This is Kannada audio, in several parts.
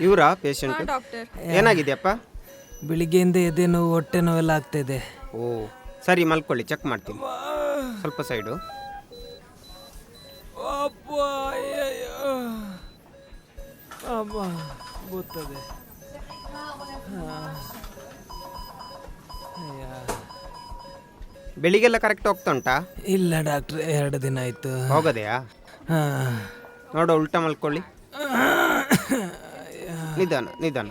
ಇವರಾ ಪೇಷಂಟ್? ಡಾಕ್ಟರ್. ಏನಾಗಿದೆಯಪ್ಪ? ಬೆಳಿಗ್ಗೆಯಿಂದ ಎದೆ ನೋವು, ಹೊಟ್ಟೆ ನೋವೆಲ್ಲ ಆಗ್ತಾಯಿದೆ. ಓ ಸರಿ, ಮಲ್ಕೊಳ್ಳಿ, ಚೆಕ್ ಮಾಡ್ತೀನಿ. ಸ್ವಲ್ಪ ಸೈಡು. ಗೊತ್ತದೆ. ಬೆಳಿಗ್ಗೆಲ್ಲ ಕರೆಕ್ಟ್ ಹೋಗ್ತಾ ಉಂಟಾ? ಇಲ್ಲ ಡಾಕ್ಟ್ರೆ, 2 ದಿನ ಆಯಿತು. ಹೋಗೋದೆಯಾ? ನೋಡು, ಉಲ್ಟಾ ಮಲ್ಕೊಳ್ಳಿ. ನಿಧಾನ ನಿಧಾನ.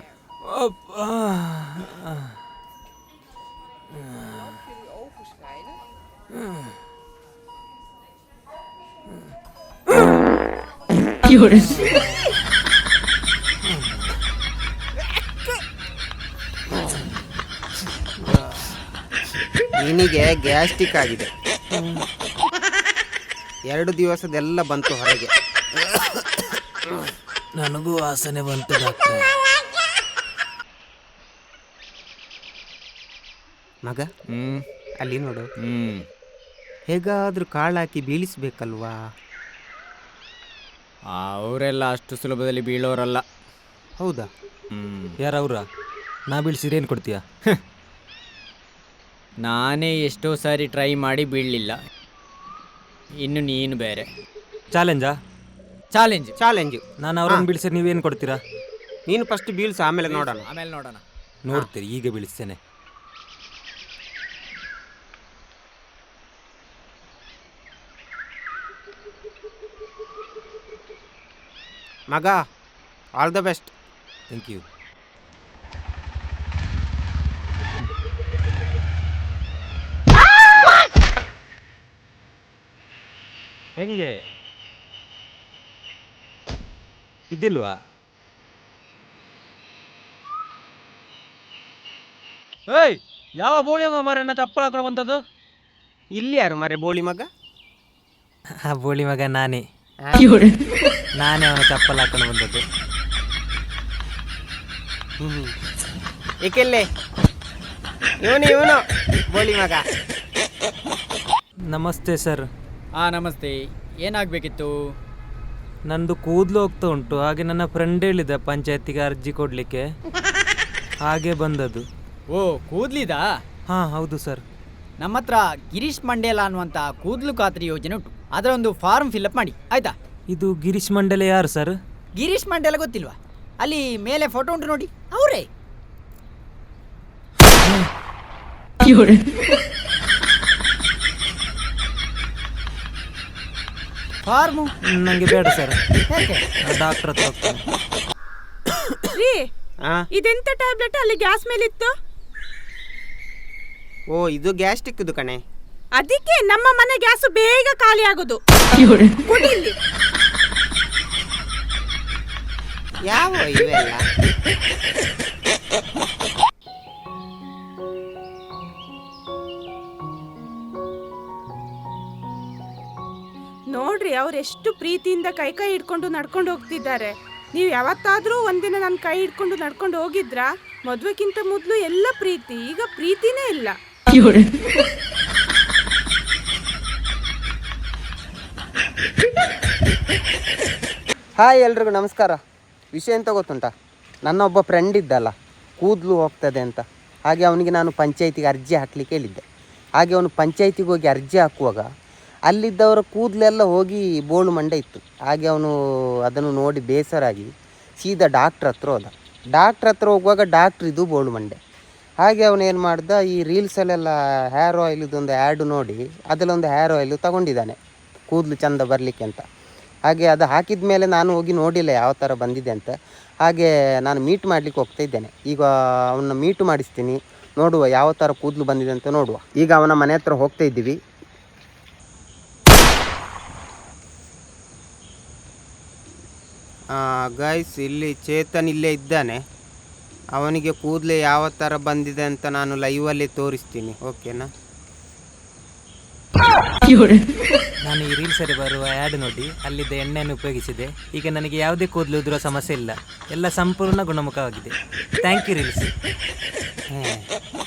ನಿನಗೆ ಗ್ಯಾಸ್ಟ್ರಿಕ್ ಆಗಿದೆ. 2 ದಿವಸದೆಲ್ಲ ಬಂತು ಹೊರಗೆ. ನನಗೂ ವಾಸನೆ ಬಂತು ಡಾಕ್ಟ್ರೆ. ಮಗ, ಅಲ್ಲಿ ನೋಡು. ಹೇಗಾದ್ರೂ ಕಾಳಾಕಿ ಬೀಳಿಸ್ಬೇಕಲ್ವಾ? ಅವರೆಲ್ಲ ಅಷ್ಟು ಸುಲಭದಲ್ಲಿ ಬೀಳೋರಲ್ಲ. ಹೌದಾ? ಯಾರವ್ರ? ನಾ ಬೀಳ್ಸಿದ್ರೆ ಏನು ಕೊಡ್ತೀಯಾ? ನಾನೇ ಎಷ್ಟೋ ಸಾರಿ ಟ್ರೈ ಮಾಡಿ ಬೀಳಲಿಲ್ಲ, ಇನ್ನು ನೀನು ಬೇರೆ. ಚಾಲೆಂಜಾ? ಚಾಲೆಂಜ್. ನಾನು ಅವ್ರನ್ನ ಬೀಳ್ಸಿದ್ರೆ ನೀವೇನು ಕೊಡ್ತೀರಾ? ನೀನು ಫಸ್ಟ್ ಬೀಳ್ಸು, ಆಮೇಲೆ ನೋಡೋಣ. ನೋಡ್ತೀರಿ, ಈಗ ಬೀಳಿಸ್ತೇನೆ. ಮಗ, all the best. Thank you. ಹೆಂಗೆ ಇದ್ದಿಲ್ವಾ? ಏಯ್, ಯಾವ ಬೋಳಿ ಮರ ಚಪ್ಪಲ್ ಹಾಕೊಂಡು ಬಂದದ್ದು? ಇಲ್ಲಿ ಯಾರು ಮರೆ ಬೋಳಿ ಮಗ? ಆ ಬೋಳಿ ಮಗ ನಾನೇ ಅವನ ಚಪ್ಪಲ್ ಹಾಕೊಂಡು ಬಂದದ್ದು. ಏಕೆಲ್ಲೇ ಇವನು ಬೋಳಿ ಮಗ. ನಮಸ್ತೆ ಸರ್. ನಮಸ್ತೆ. ಏನಾಗಬೇಕಿತ್ತು? ನಂದು ಕೂದಲು ಹೋಗ್ತಾ ಉಂಟು, ಹಾಗೆ ನನ್ನ ಫ್ರೆಂಡ್ ಹೇಳಿದ ಪಂಚಾಯತಿಗೆ ಅರ್ಜಿ ಕೊಡಲಿಕ್ಕೆ, ಹಾಗೆ ಬಂದದ್ದು. ಓ, ಕೂದ್ಲಿದಾ? ಹಾಂ ಹೌದು ಸರ್. ನಮ್ಮ ಹತ್ರ ಗಿರೀಶ್ ಮಂಡೇಲ ಅನ್ನುವಂಥ ಕೂದಲು ಖಾತ್ರಿ ಯೋಜನೆ ಉಂಟು, ಅದರ ಒಂದು ಫಾರ್ಮ್ ಫಿಲ್ಅಪ್ ಮಾಡಿ ಆಯ್ತಾ? ಇದು ಗಿರೀಶ್ ಮಂಡಲ ಯಾರು ಸರ್? ಗಿರೀಶ್ ಮಂಡೇಲ ಗೊತ್ತಿಲ್ವಾ? ಅಲ್ಲಿ ಮೇಲೆ ಫೋಟೋ ಉಂಟು ನೋಡಿ, ಅವರೇ. ಫಾರ್ಮು ನನಗೆ ಬೇಡ ಸರ್, ಯಾಕೆ? ಡಾಕ್ಟರ್ ಹತ್ರ ಹೋಗ್ತೇನೆ. ಇದೆಂತ ಟ್ಯಾಬ್ಲೆಟ್ ಅಲ್ಲಿ ಗ್ಯಾಸ್ ಮೇಲಿತ್ತು? ಓ, ಇದು ಗ್ಯಾಸ್ಟ್ರಿಕ್ ಇದು ಕಣೆ. ಅದಕ್ಕೆ ನಮ್ಮ ಮನೆ ಗ್ಯಾಸ್ ಬೇಗ ಖಾಲಿ ಆಗೋದು. ಕುಡಿಲಿ. ಯಾವ ಇವೆಲ್ಲ? ನೋಡ್ರಿ, ಅವ್ರೆಷ್ಟು ಪ್ರೀತಿಯಿಂದ ಕೈ ಹಿಡ್ಕೊಂಡು ನಡ್ಕೊಂಡು ಹೋಗ್ತಿದ್ದಾರೆ. ನೀವು ಯಾವತ್ತಾದ್ರೂ ಒಂದಿನ ನನ್ನ ಕೈ ಹಿಡ್ಕೊಂಡು ನಡ್ಕೊಂಡು ಹೋಗಿದ್ರಾ? ಮದುವೆಗಿಂತ ಮೊದಲು ಎಲ್ಲ ಪ್ರೀತಿ, ಈಗ ಪ್ರೀತಿನೇ ಇಲ್ಲ. ಹಾಯ್, ಎಲ್ರಿಗೂ ನಮಸ್ಕಾರ. ವಿಷಯ ಎಂತ ಗೊತ್ತುಂಟಾ? ನನ್ನ ಒಬ್ಬ ಫ್ರೆಂಡ್ ಇದ್ದಲ್ಲ, ಕೂದಲು ಹೋಗ್ತದೆ ಅಂತ. ಹಾಗೆ ಅವನಿಗೆ ನಾನು ಪಂಚಾಯತಿಗೆ ಅರ್ಜಿ ಹಾಕಲಿಕ್ಕೆ ಹೇಳಿದ್ದೆ. ಹಾಗೆ ಅವನು ಪಂಚಾಯತಿಗೆ ಹೋಗಿ ಅರ್ಜಿ ಹಾಕುವಾಗ ಅಲ್ಲಿದ್ದವರ ಕೂದಲೆಲ್ಲ ಹೋಗಿ ಬೋಳು ಮಂಡೆ ಇತ್ತು. ಹಾಗೆ ಅವನು ಅದನ್ನು ನೋಡಿ ಬೇಸರಾಗಿ ಸೀದಾ ಡಾಕ್ಟ್ರ್ ಹತ್ರ ಹೋದ. ಡಾಕ್ಟ್ರ್ ಹತ್ರ ಹೋಗುವಾಗ ಡಾಕ್ಟ್ರ್ ಇದು ಬೋಳು ಮಂಡೆ. ಹಾಗೆ ಅವನು ಏನು ಮಾಡ್ದ, ಈ ರೀಲ್ಸಲ್ಲೆಲ್ಲ ಹೇರ್ ಆಯಿಲ್ ಇದೊಂದು ಆ್ಯಡ್ ನೋಡಿ ಅದರಲ್ಲೊಂದು ಹೇರ್ ಆಯಿಲ್ ತಗೊಂಡಿದ್ದಾನೆ ಕೂದಲು ಚೆಂದ ಬರಲಿಕ್ಕೆ ಅಂತ. ಹಾಗೆ ಅದು ಹಾಕಿದ ಮೇಲೆ ನಾನು ಹೋಗಿ ನೋಡಿಲ್ಲ ಯಾವ ಥರ ಬಂದಿದೆ ಅಂತ. ಹಾಗೆ ನಾನು ಮೀಟ್ ಮಾಡಲಿಕ್ಕೆ ಹೋಗ್ತಾ ಇದ್ದೇನೆ. ಈಗ ಅವನ್ನ ಮೀಟು ಮಾಡಿಸ್ತೀನಿ, ನೋಡುವ ಯಾವ ಥರ ಕೂದಲು ಬಂದಿದೆ ಅಂತ ನೋಡುವ. ಈಗ ಅವನ ಮನೆ ಹತ್ರ ಹೋಗ್ತಾ ಇದ್ದೀವಿ. ಗೈಸ್, ಇಲ್ಲಿ ಚೇತನ್ ಇಲ್ಲೇ ಇದ್ದಾನೆ. ಅವನಿಗೆ ಕೂದಲೇ ಯಾವ ಥರ ಬಂದಿದೆ ಅಂತ ನಾನು ಲೈವಲ್ಲಿ ತೋರಿಸ್ತೀನಿ, ಓಕೆನಾ? ನಾನು ಈ ರೀಲ್ಸಲ್ಲಿ ಬರುವ ಆ್ಯಡ್ ನೋಡಿ ಅಲ್ಲಿದ್ದ ಎಣ್ಣೆಯನ್ನು ಉಪಯೋಗಿಸಿದೆ. ಈಗ ನನಗೆ ಯಾವುದೇ ಕೂದಲು ಉದುರುವ ಸಮಸ್ಯೆ ಇಲ್ಲ, ಎಲ್ಲ ಸಂಪೂರ್ಣ ಗುಣಮುಖವಾಗಿದೆ. Thank you reels.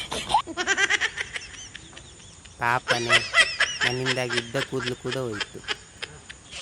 ಪಾಪನೇ, ನನ್ನಿಂದಾಗಿ ಇದ್ದ ಕೂದಲು ಕೂಡ ಹೋಯಿತು.